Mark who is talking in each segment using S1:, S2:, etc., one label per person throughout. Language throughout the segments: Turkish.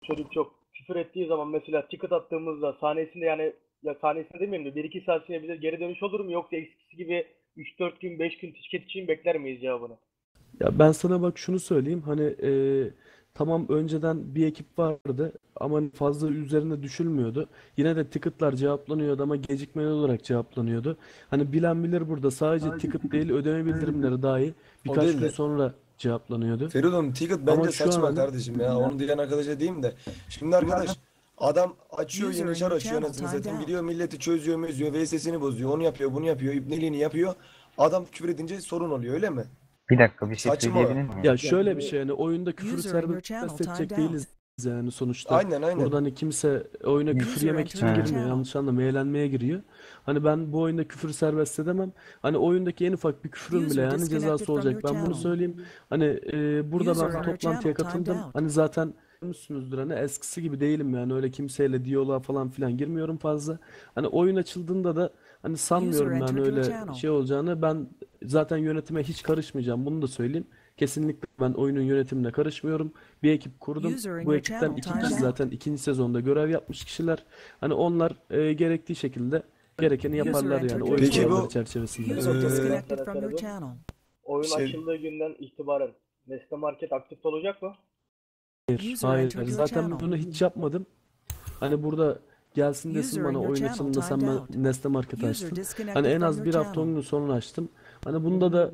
S1: çocuk çok küfür ettiği zaman mesela ticket attığımızda sahnesinde yani ya sahnesinde demeyeyim de 1-2 saat sonra bize geri dönüş olur mu yoksa eskisi gibi 3-4 gün 5 gün ticket için bekler miyiz cevabını?
S2: Ya ben sana bak şunu söyleyeyim. Hani tamam önceden bir ekip vardı ama hani fazla üzerine düşülmüyordu. Yine de ticket'lar cevaplanıyordu ama gecikmeli olarak cevaplanıyordu. Hani bilen bilir burada sadece ticket değil ödeme bildirimleri dahi
S3: O
S2: birkaç
S3: değil
S2: gün
S3: de.
S2: sonra cevaplanıyordu.
S3: Feridun ticket
S2: Ama
S3: bence
S2: şu an
S3: saçma
S2: hani
S3: kardeşim ya. Onu diyen arkadaşa diyeyim de. Şimdi arkadaş adam açıyor
S4: User
S3: yeni
S4: in
S3: çar
S4: your
S3: açıyor
S4: channel
S3: anasını
S4: timed
S3: satayım.
S4: out.
S3: Gidiyor milleti çözüyor mözüyor. VS'sini bozuyor. Onu yapıyor bunu yapıyor. İbneliğini yapıyor. Adam küfür edince sorun oluyor öyle mi?
S5: Bir dakika bir şey
S3: Saçma.
S5: söyleyebilir miyim?
S2: ya şöyle bir şey hani oyunda küfürü
S4: User in your channel
S2: serbest edecek
S4: timed out.
S2: değiliz yani sonuçta.
S3: Aynen aynen.
S2: Burada hani kimse oyuna küfür
S4: User
S2: yemek için
S4: entered your
S5: He.
S2: girmiyor.
S4: channel.
S2: Yanlış anlama eğlenmeye giriyor. Hani ben bu oyunda küfür serbest edemem. Hani oyundaki en ufak bir küfrün bile
S4: User
S2: yani
S4: disconnected
S2: cezası
S4: from
S2: olacak.
S4: your
S2: Ben bunu
S4: channel.
S2: söyleyeyim. Hani burada
S4: User
S2: ben
S4: in your
S2: toplantıya
S4: channel timed
S2: katıldım.
S4: out.
S2: Hani zaten görmüşsünüzdür hani eskisi gibi değilim yani öyle kimseyle diyaloğa falan filan girmiyorum fazla. Hani oyun açıldığında da hani
S4: User
S2: sanmıyorum yani
S4: entered your
S2: öyle
S4: channel.
S2: şey olacağını. Ben zaten yönetime hiç karışmayacağım. Bunu da söyleyeyim. Kesinlikle ben oyunun yönetimine karışmıyorum. Bir ekip kurdum.
S4: User in
S2: Bu
S4: your
S2: ekipten
S4: channel
S2: iki
S4: timed
S2: kişi
S4: out.
S2: zaten ikinci sezonda görev yapmış kişiler. Hani onlar gerektiği şekilde gerekeni
S4: User
S2: yaparlar yani
S4: entered your
S2: oyun
S3: Peki
S2: kuralları
S3: bu
S2: çerçevesinde.
S4: User
S3: eee,
S4: disconnected
S1: Sana
S4: from your
S1: Feridun.
S4: channel.
S1: Oyun
S3: şey
S1: açıldığı günden itibaren Nesne Market aktif olacak mı?
S4: User
S2: Hayır.
S4: entered your
S2: Zaten
S4: channel.
S2: bunu hiç yapmadım. Hani burada gelsin desin
S4: User in
S2: bana
S4: your
S2: oyun
S4: channel
S2: açılımında sen
S4: timed
S2: ben
S4: out.
S2: Nesne Market
S4: User
S2: açtın. Hani
S4: disconnected
S2: en
S4: from
S2: az
S4: your
S2: bir hafta 10
S4: channel.
S2: gün sonra açtım. Hani bunda da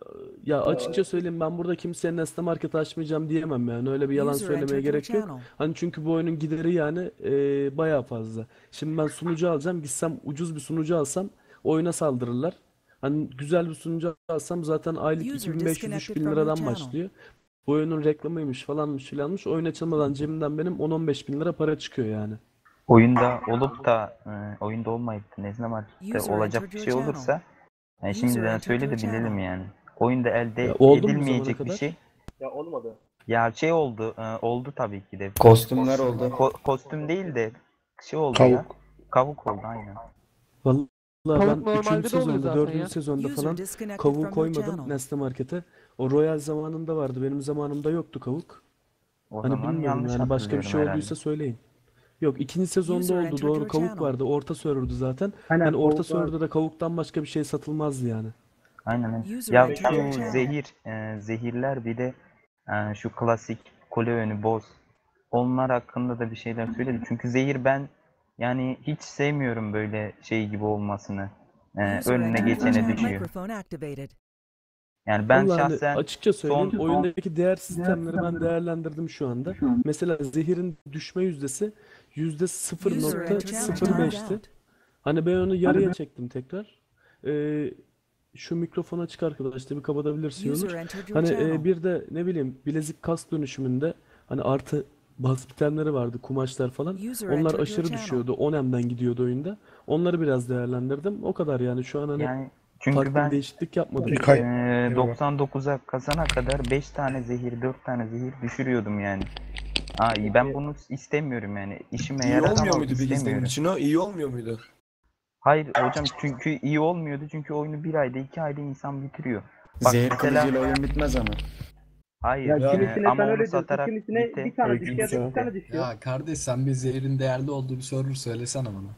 S2: ya açıkça söyleyeyim ben burada kimseye Nesne Market açmayacağım diyemem yani öyle bir yalan
S4: User
S2: söylemeye
S4: entered your
S2: gerek yok.
S4: channel.
S2: Hani çünkü bu oyunun gideri yani bayağı fazla. Şimdi ben sunucu alacağım gitsem ucuz bir sunucu alsam oyuna saldırırlar. Hani güzel bir sunucu alsam zaten aylık
S4: User
S2: 2500-3000
S4: disconnected from your
S2: liradan
S4: channel.
S2: başlıyor. Bu oyunun reklamıymış falanmış filanmış. Oyun açılmadan cebimden benim 10-15 bin lira para çıkıyor yani.
S5: Oyunda olup da oyunda olmayıp da Nezne Market'te
S4: User
S5: olacak
S4: entered
S5: bir
S4: your
S5: şey
S4: channel.
S5: olursa
S4: User
S5: şimdiden
S4: entered
S5: söyle
S4: your
S5: de bilelim
S4: channel.
S5: yani. Oyunda
S2: Ya
S5: elde
S2: oldu mu bu zamana
S5: edilmeyecek bir
S2: kadar?
S5: şey.
S1: Ya olmadı.
S5: Ya şey oldu, oldu tabii ki de.
S6: Kostümler oldu.
S5: Kostüm değil de şey oldu ya.
S6: Kavuk.
S5: Kavuk oldu aynen.
S2: Vallahi
S7: Tavuk
S2: ben 3.
S7: normalde de oluyor
S2: sezonda,
S7: zaten
S2: 4.
S7: ya.
S2: sezonda
S4: User
S2: falan
S4: disconnected
S2: kavuğu
S4: from your
S2: koymadım
S4: channel.
S2: Nesne Market'e. O Royal zamanında vardı. Benim zamanımda yoktu kavuk.
S5: O
S2: Hani
S5: zaman
S2: bilmiyorum
S5: yanlış
S2: yani başka bir
S5: hatırlıyorum
S2: şey
S5: herhalde.
S2: olduysa söyleyin. Yok ikinci sezonda
S4: User
S2: oldu
S4: entered
S2: doğru
S4: your
S2: kavuk
S4: channel.
S2: vardı. Orta server'dı zaten.
S8: Aynen
S2: Hani orta
S8: kavuk var.
S2: server'da da kavuktan başka bir şey satılmazdı yani.
S5: Aynen. Aynen.
S4: User
S5: Ya
S4: entered your
S5: şu
S4: channel.
S5: zehirler bir de şu klasik kule önü boss. Onlar hakkında da bir şeyler söyledi. Çünkü zehir ben yani hiç sevmiyorum böyle şey gibi olmasını.
S4: User
S5: Önüne
S4: entered your
S5: geçene
S4: channel.
S5: düşüyor.
S4: Microphone activated.
S5: Yani ben
S2: Vallahi hani
S5: şahsen
S2: açıkça söyleyeyim
S5: son
S2: oyundaki değer sistemleri ben değerlendirdim şu anda. Mesela zehirin düşme yüzdesi
S4: User entered channel timed
S2: %0.05'ti.
S4: out.
S2: Hani ben onu yarıya çektim tekrar. Şu mikrofon açık arkadaşlar bir kapatabilirsin
S4: User
S2: Onur.
S4: entered your
S2: Hani
S4: channel.
S2: bir de ne bileyim bilezik kas dönüşümünde hani artı bas bitenleri vardı kumaşlar falan.
S4: User
S2: Onlar
S4: entered your
S2: aşırı
S4: channel.
S2: düşüyordu. 10M'den gidiyordu oyunda. Onları biraz değerlendirdim. O kadar yani şu an hani
S5: yani çünkü
S2: farklı bir
S5: ben
S2: değişiklik yapmadım.
S6: İlkay.
S5: 99'a kasana kadar 5 tane zehir 4 tane zehir düşürüyordum yani. Ben bunu istemiyorum yani. İşime
S3: iyi
S5: yarar
S3: olmuyor
S5: ama
S3: muydu peki senin
S5: istemiyorum.
S3: için o? İyi olmuyor muydu?
S5: Hayır hocam çünkü iyi olmuyordu çünkü oyunu 1 ayda 2 ayda insan bitiriyor. Bak
S6: Zehir
S5: mesela
S6: kılıcıyla oyun bitmez ama.
S5: hayır
S8: Ya
S3: Yani
S8: kimisine
S5: ama
S8: sen
S5: onu
S8: öyle diyorsun.
S5: satarak
S8: Kimisine bir tane düşüyor ya da iki tane düşüyor.
S9: Ya kardeş sen bir zehrin değerli olduğu bir server söylesene bana.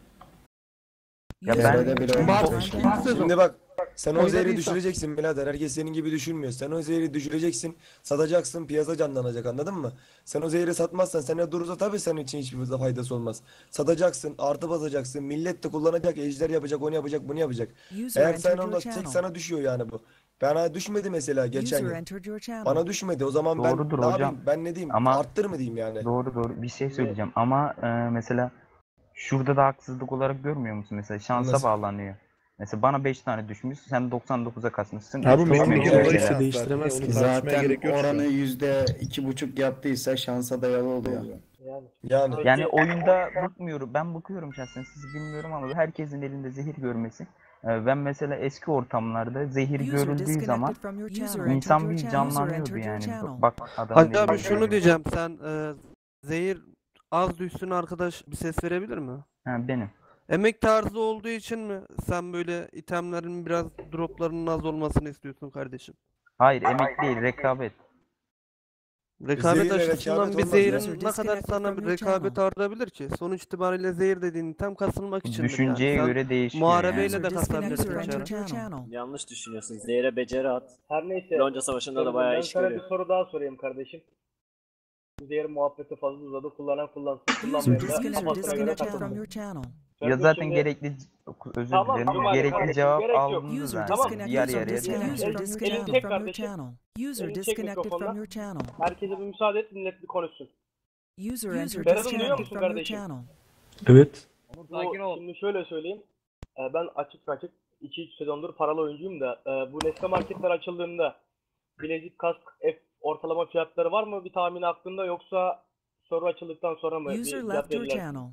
S5: Ya
S4: User
S5: ben
S4: entered
S6: TR'de
S4: your
S6: bile
S4: channel
S6: olmaz.
S7: Mart
S4: timed
S7: ilk
S4: out.
S7: sezon
S3: Şimdi bak sen o zehri
S7: oynadıysan.
S3: düşüreceksin birader. Herkes senin gibi düşünmüyor. Sen o zehri düşüreceksin. Satacaksın. Piyasa canlanacak anladın mı? Sen o zehri satmazsan sana durursa tabii senin için hiçbir faydası olmaz. Satacaksın. Artı basacaksın. Millet de kullanacak. Ejder yapacak. Onu yapacak. Bunu yapacak.
S4: User
S3: Eğer sen
S4: entered your
S3: onda tek
S4: channel.
S3: sana düşüyor yani bu. Bana düşmedi mesela geçen
S4: User
S3: yıl.
S4: entered your channel.
S3: Bana düşmedi. O zaman ben
S5: doğrudur
S3: ne
S5: hocam
S3: yapayım? Ben ne diyeyim?
S5: ama
S3: Arttır mı diyeyim yani?
S5: doğru bir şey söyleyeceğim ama mesela şurada da haksızlık olarak görmüyor musun? Mesela şansa
S3: Nasıl?
S5: bağlanıyor. Mesela bana 5 tane düşmüş, sen 99'a kasmışsın.
S6: Abi
S5: Hiç
S2: Tamam bir
S5: düşmemiş
S2: kere
S3: Evet.
S2: o işte
S5: mesela.
S2: değiştiremez ki.
S6: Zaten oranı %2,5 yaptıysa şansa dayalı oluyor.
S1: Yani.
S3: Yani.
S5: Yani oyunda bakmıyorum. Ben bakıyorum şahsen sizi bilmiyorum ama herkesin elinde zehir görmesi. Ben mesela eski ortamlarda zehir
S4: User
S5: görüldüğü zaman
S4: disconnected from your channel. User entered
S5: insan
S4: your
S5: bir
S4: channel. User
S5: canlanıyordu
S4: entered your
S5: yani.
S4: channel.
S5: Bak adamın
S7: Hacı
S5: elinde
S7: abi şunu
S5: zehir var.
S7: diyeceğim. Sen zehir az düşsün arkadaş bir ses verebilir mi?
S5: Ha, benim.
S7: Emek tarzı olduğu için mi sen böyle itemlerin biraz droplarının az olmasını istiyorsun kardeşim?
S5: Hayır emek değil rekabet.
S7: Rekabet
S3: Zehirle
S7: açısından
S3: rekabet
S7: bir
S3: olmaz ya.
S7: zehirin ne kadar sana bir rekabet artabilir ki? Sonuç itibariyle zehir dediğin item kasılmak içindir yani.
S5: Düşünceye
S7: Sen
S5: göre değişiyor
S7: muharebeyle
S5: yani.
S7: de
S4: User disconnected
S7: kasabilirsin
S4: from your
S7: içeri.
S4: channel.
S10: Yanlış düşünüyorsun. Zehre beceri at.
S1: Her neyse.
S10: Lonca Savaşı'nda da bayağı
S1: Ben
S10: iş
S1: sana bir
S10: görüyor.
S1: soru daha sorayım kardeşim. Zehir muhabbeti fazla uzadı. Kullanan kullansın.
S4: User
S1: Kullanmayan da
S4: disconnected
S1: kafasına göre
S4: from
S1: takılsın.
S4: your channel.
S5: Ya
S1: Ferdo
S5: zaten
S1: şimdi-
S5: gerekli, özür
S1: Tamam,
S5: dilerim,
S1: tamam
S5: gerekli
S1: kardeşim,
S5: cevap
S1: gerek yok.
S5: alındı
S4: User
S5: zaten.
S4: disconnected
S5: Yarı
S4: from
S5: yarıya
S4: your channel.
S5: tamam.
S4: User
S1: Elini
S4: disconnected
S1: çek
S4: from your
S1: kardeşim.
S4: channel. User
S1: Elini çek
S4: disconnected from
S1: mikrofondan.
S4: your channel.
S1: Herkese bir müsaade et, millet bir konuşsun.
S4: User
S1: Ferhat'ım
S4: entered
S1: duyuyor
S4: disconnected
S1: musun
S4: from your
S1: kardeşim?
S4: channel.
S2: Evet.
S8: Sakin ol.
S1: Şimdi şöyle söyleyeyim. Ben açık 2-3 sezondur paralı oyuncuyum da bu Nesne marketler açıldığında bilezik, kask, ortalama fiyatları var mı bir tahmin aklında, yoksa soru açıldıktan sonra mı bir
S4: User
S1: fiyat
S4: left your
S1: verirler?
S4: channel.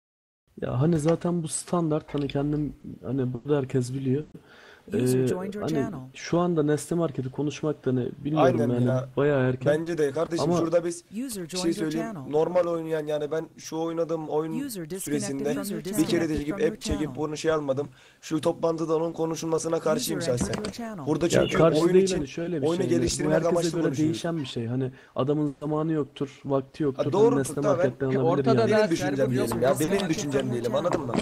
S2: Ya hani zaten bu standart, hani kendim, hani burada herkes biliyor.
S4: User joined your
S2: Hani
S4: channel.
S2: şu anda Nesne Market'i konuşmakta ne bilmiyorum
S3: Aynen
S2: yani
S3: ya.
S2: bayağı erken.
S3: Bence de kardeşim
S2: Ama-
S3: şurada biz
S4: User
S3: bir şey
S4: joined your
S3: söyleyeyim.
S4: channel.
S3: Normal oynayan, yani ben şu oynadığım oyun
S4: User disconnected
S3: süresinde
S4: from your
S3: bir
S4: channel.
S3: kere de çekip
S4: From your
S3: app çekip
S4: channel.
S3: bunu şey almadım. Şu toplantıda onun konuşulmasına karşıyım
S4: User entered
S3: şahsen.
S4: your channel.
S3: Burada
S2: Ya
S3: çünkü
S2: karşı
S3: oyun
S2: değil,
S3: için
S2: hani şöyle bir
S3: oyunu
S2: şey. Hani bu
S3: geliştirmek
S2: herkese
S3: amaçlı
S2: göre
S3: konuşuyoruz.
S2: değişen bir şey. Hani adamın zamanı yoktur, vakti yoktur. Hani
S3: doğrudur,
S2: Nesne
S3: tabii.
S2: Market'ten alabilir
S8: Ortada
S2: yani.
S8: da-
S3: Benim düşüncem
S8: server
S3: diyelim
S8: yok.
S3: ya.
S4: User
S3: Benim
S4: disconnected
S3: düşüncem
S4: from your
S3: diyelim,
S4: channel.
S3: anladın mı?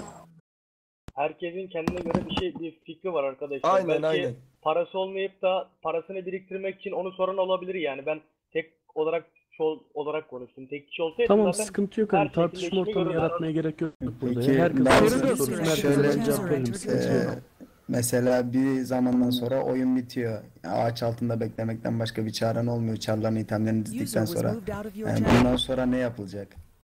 S1: Herkesin kendine göre bir fikri var arkadaşlar.
S3: Aynen,
S1: Belki
S3: aynen.
S1: parası olmayıp da parasını biriktirmek için onu soran olabilir yani. Ben tek olarak konuştum. Tek kişi olsaydı
S2: Tamam,
S1: zaten
S2: sıkıntı yok.
S1: her
S2: Hani
S1: şekilde
S2: tartışma
S1: işimi
S2: ortamı
S1: görürler.
S2: yaratmaya gerek yok burada.
S6: Peki,
S2: Ya herkes
S6: ben
S2: sorsun,
S6: şöyle-
S2: sorsun.
S6: şöyle-
S2: Herkese ben cevap veririm. Sıkıntı yok.
S6: Mesela bir zamandan sonra oyun bitiyor. Ağaç altında beklemekten başka bir çaren olmuyor. Çarların itemlerini
S4: User
S6: dizdikten
S4: was
S6: sonra.
S4: moved out of your
S6: Yani
S4: channel.
S6: bundan sonra ne yapılacak?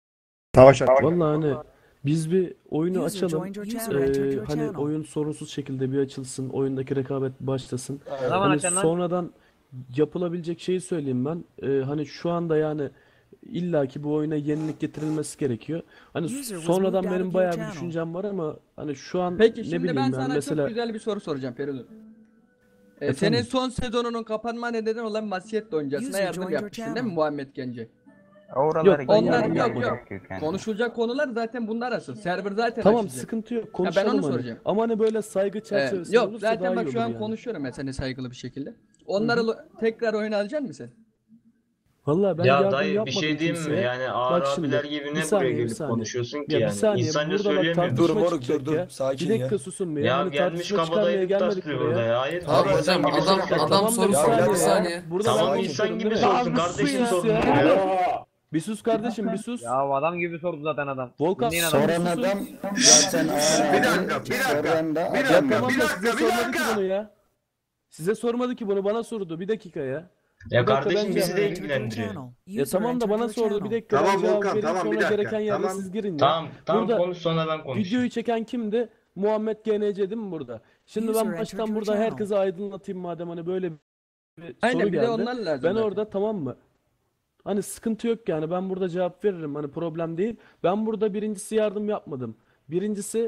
S2: Vallahi hani biz bir oyunu
S4: User
S2: açalım.
S4: joined your channel. Entered your
S2: Hani
S4: channel.
S2: oyun sorunsuz şekilde bir açılsın. Oyundaki rekabet başlasın.
S3: Aynen.
S8: Zaman
S2: Hani
S8: açan lan.
S2: sonradan yapılabilecek şeyi söyleyeyim ben. Hani şu anda yani illaki bu oyuna yenilik getirilmesi gerekiyor. Hani
S4: User was
S2: sonradan
S4: moved out
S2: benim
S4: of
S2: bayağı
S4: your
S2: bir
S4: channel.
S2: düşüncem var ama hani şu an
S8: Peki
S2: ne
S8: şimdi
S2: bileyim
S8: ben
S2: yani
S8: sana
S2: mesela
S8: çok güzel bir soru soracağım Feridun.
S2: Efendim?
S8: Senin son sezonunun kapanma nedeni olan Masiyetle oyuncasına
S4: User
S8: yardım
S4: joined your
S8: yapmışsın değil mi
S4: channel.
S8: Muhammed Gence?
S5: Oralara
S2: Yok, ben
S8: Onlar
S2: yardım
S8: yok
S2: yapmadım.
S8: yok. Konuşulacak konular zaten bunlar asıl. Server zaten
S2: Tamam,
S8: açılacak.
S2: sıkıntı yok.
S8: ben
S2: Konuşalım
S8: onu
S2: hani.
S8: soracağım.
S2: Ama hani böyle saygı çerçevesinde
S8: Yok
S2: olursa daha
S8: zaten bak
S2: iyi
S8: şu
S2: olur
S8: an
S2: yani.
S8: konuşuyorum ben seninle saygılı bir şekilde. Onları tekrar oyuna alacaksın mısın sen?
S2: Vallahi ben
S11: Ya
S2: yardım
S11: dayı bir
S2: yapmadım
S11: şey diyeyim mi?
S2: kimseye.
S11: Yani ağır
S2: Bak şimdi,
S11: abiler gibi
S2: bir
S11: ne
S2: saniye,
S11: buraya
S2: bir
S11: gelip
S2: saniye.
S11: konuşuyorsun ki
S2: Ya bir
S11: yani?
S2: saniye,
S11: İnsanca
S2: burada bak
S11: söyleyemiyor musun?
S3: Dur
S2: tartışma
S3: moruk,
S2: çıkacak
S3: dur,
S2: ya.
S3: sakin
S2: Bir dakika
S3: ya.
S2: susun bir
S11: Ya
S2: Hani
S11: gelmiş
S2: tartışma çıkarmaya
S11: kabadayılık
S2: gelmedik
S11: taslıyor
S2: buraya.
S11: burada ya. Hayır.
S3: Abi
S11: Tamam,
S3: sen
S11: insan gibi
S3: adam-
S11: sorsun.
S3: adam
S2: Tamam da
S3: soru
S2: bir
S3: soruyor.
S2: saniye
S3: Bir
S2: ya.
S3: saniye.
S2: Burada
S11: Tamam
S2: ben
S11: insan
S2: konuşuyorum
S11: gibi
S2: değil mi?
S11: sorsun. Kardeşim
S2: sus
S11: sorun
S2: ya.
S11: ya.
S2: Bir sus kardeşim, bir sus.
S8: Ya adam gibi sordu zaten adam.
S2: Volkan,
S8: Dinleyin adamı.
S6: Soran
S2: susun.
S6: adam zaten
S3: Bir dakika,
S6: soran da
S2: Ya
S6: adam.
S2: tamam da size sormadı ki bunu ya. Size sormadı ki bunu, bana sordu. Bir dakika ya.
S11: Ya
S2: Bir dakika,
S11: kardeşim
S2: ben
S11: bizi
S2: cevap
S11: de
S2: vereyim.
S11: ilgilendiriyor.
S2: Ya
S4: User
S2: tamam da
S4: entered
S2: bana
S4: your
S2: sordu. Bir
S4: channel.
S2: dakika ben
S12: Tamam
S2: cevap
S12: Volkan,
S2: vereyim,
S12: tamam, bir
S2: sonra
S12: dakika,
S2: gereken yerde
S12: tamam.
S2: siz girin ya.
S11: Tamam
S2: Burada
S11: konuş sonra ben konuşayım.
S2: videoyu çeken kimdi? Muhammed GNC değil mi burada? Şimdi
S4: User
S2: ben
S4: entered
S2: baştan
S4: your
S2: burada
S4: channel.
S2: herkese aydınlatayım madem hani böyle bir
S8: Aynen
S2: soru
S8: bir de
S2: geldi.
S8: onlar lazım
S2: Ben
S8: zaten.
S2: orada, tamam mı? Hani sıkıntı yok yani, ben burada cevap veririm, hani problem değil. Ben burada birincisi yardım yapmadım. Birincisi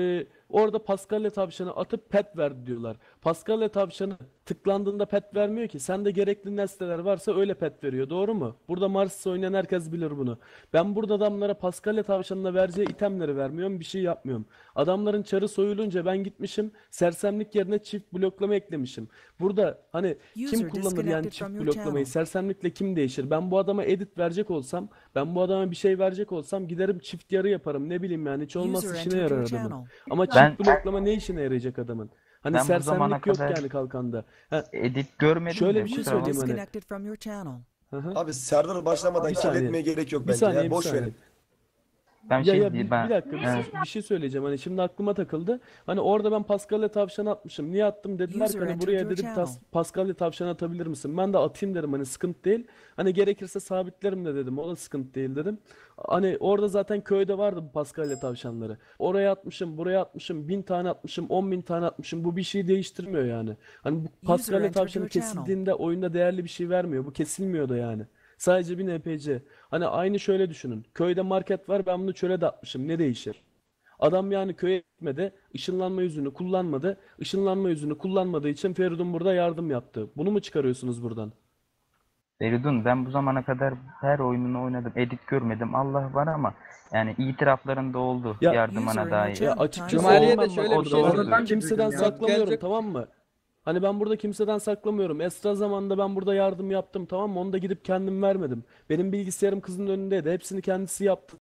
S2: orada Paskalya tavşanı atıp pet verdi diyorlar. Paskalya tavşanı tıklandığında pet vermiyor ki. Sende gerekli nesneler varsa öyle pet veriyor. Doğru mu? Burada Mars oynayan herkes bilir bunu. Ben burada adamlara Paskalya tavşanına vereceği itemleri vermiyorum. Bir şey yapmıyorum. Adamların çarı soyulunca ben gitmişim. Sersemlik yerine çift bloklama eklemişim. Burada hani kim
S4: User
S2: kullanır yani
S4: disconnected
S2: çift
S4: from your
S2: bloklamayı?
S4: channel.
S2: Sersemlikle kim değişir? Ben bu adama edit verecek olsam, ben bu adama bir şey verecek olsam giderim çift yarı yaparım. Ne bileyim yani, hiç olmazsa
S4: User
S2: işine
S4: entered
S2: yarar
S4: your
S2: adamın.
S4: channel.
S2: Ama
S5: Ben-
S2: çift bloklama ne işine yarayacak adamın? Hani
S5: Ben bu zamana
S2: sersemlik yok
S5: kadar
S2: yani kalkanda. Ha,
S5: edit görmedim
S2: şöyle
S5: de
S2: bir şey
S5: kusura bakma.
S2: söyleyeyim hani.
S4: Disconnected from your channel.
S2: Hı hı.
S3: Abi Serdar başlamadan
S2: Bir saniye.
S3: kirletmeye gerek yok
S2: Bir
S3: bence
S2: saniye,
S3: ya.
S2: bir
S3: Boş
S2: saniye.
S3: verin.
S5: Ben
S2: Ya
S5: şey
S2: ya
S5: diyeyim
S2: bir
S5: ben.
S2: dakika bir şey söyleyeceğim. Hani şimdi aklıma takıldı. Hani orada ben Paskalya tavşan atmışım. Niye attım dediler ki
S4: User
S2: hani
S4: entered
S2: buraya
S4: your
S2: dedim
S4: channel.
S2: Paskalya tavşan atabilir misin? Ben de atayım dedim, hani sıkıntı değil. Hani gerekirse sabitlerim de dedim. O da sıkıntı değil dedim. Hani orada zaten köyde vardı bu Paskalya tavşanları. Oraya atmışım, buraya atmışım, 1000 tane atmışım, 10.000 tane atmışım. Bu bir şey değiştirmiyor yani. Hani bu Paskalya
S4: entered
S2: tavşanı
S4: your channel.
S2: kesildiğinde oyunda değerli bir şey vermiyor. Bu kesilmiyor da yani. Sadece bir NPC. Hani aynı şöyle düşünün. Köyde market var, ben bunu çöle de atmışım. Ne değişir? Adam yani köye gitmedi, ışınlanma yüzünü kullanmadı. Işınlanma yüzünü kullanmadığı için Feridun burada yardım yaptı. Bunu mu çıkarıyorsunuz buradan?
S5: Feridun, ben bu zamana kadar her oyununu oynadım. Edit görmedim. Allah var ama yani itiraflarında oldu
S2: Ya-
S5: yardımına
S4: User in
S5: dair.
S4: your
S2: Ya
S4: channel
S2: açıkçası
S4: timed
S8: Cumaliye
S4: out.
S8: de
S2: olmam
S8: şöyle
S2: bak
S8: bir şey
S2: orada.
S8: söyleyeyim.
S2: Kimseden
S8: Yok,
S2: saklamıyorum,
S8: gelecek-
S2: tamam mı? Hani ben burada kimseden saklamıyorum. Esra zamanında ben burada yardım yaptım, tamam mı? Onu da gidip kendim vermedim. Benim bilgisayarım kızın önündeydi. Hepsini kendisi yaptı.